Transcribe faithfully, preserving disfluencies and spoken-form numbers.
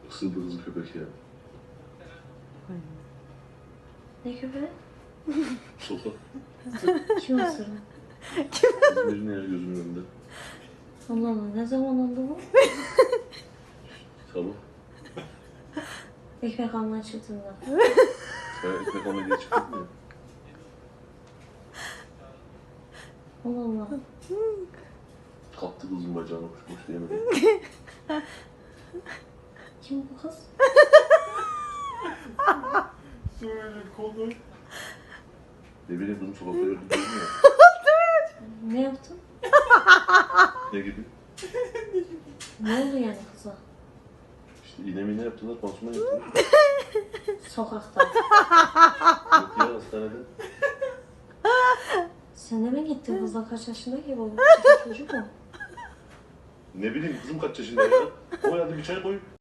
Isırdı kızı köpek ya. Ne köpeği? Sopa. Kim ısırdı? İzmir'in ya gözümün önünde. Allah Allah, ne zaman oldu bu? Sabah. Ekmek almaya çıktığında. Ben ekmek almaya diye çıktım ya. Allah Allah. Kaptı kızın bacağına kuşmuş diyemedim. Kim bu kız? Söyle konu. Ne bileyim kızım sokakta gördüm dedim ya. Ne yaptın? Ne gibi? Ne oldu yani kıza? İşte iğne mine yaptılar, pansuman yaptılar. Sokakta. Yok ya hastanede. Sen de mi gittin kızla, kaç yaşında ki bu? Küçük çocuk mu? Ne bileyim kızım kaç yaşında ya. Koy hadi bir çay koy.